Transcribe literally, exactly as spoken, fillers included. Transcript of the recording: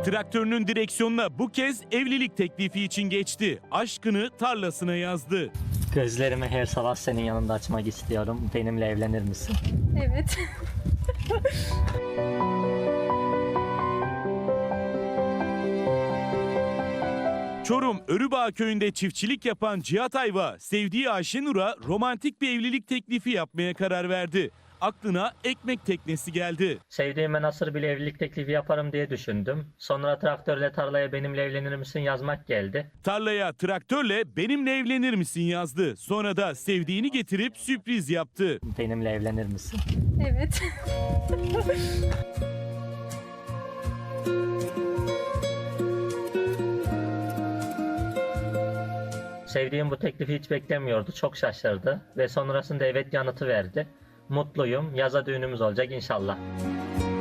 Traktörünün direksiyonuna bu kez evlilik teklifi için geçti. Aşkını tarlasına yazdı. Gözlerimi her sabah senin yanında açmak istiyorum. Benimle evlenir misin? Evet. Çorum Örübağ köyünde çiftçilik yapan Cihat Ayva, sevdiği Ayşenur'a romantik bir evlilik teklifi yapmaya karar verdi. Aklına ekmek teknesi geldi. Sevdiğime nasıl bir evlilik teklifi yaparım diye düşündüm. Sonra traktörle tarlaya benimle evlenir misin yazmak geldi. Tarlaya traktörle benimle evlenir misin yazdı. Sonra da sevdiğini getirip sürpriz yaptı. Benimle evlenir misin? Evet. Sevdiğim bu teklifi hiç beklemiyordu. Çok şaşırdı ve sonrasında evet yanıtı verdi. Mutluyum. Yaza düğünümüz olacak inşallah.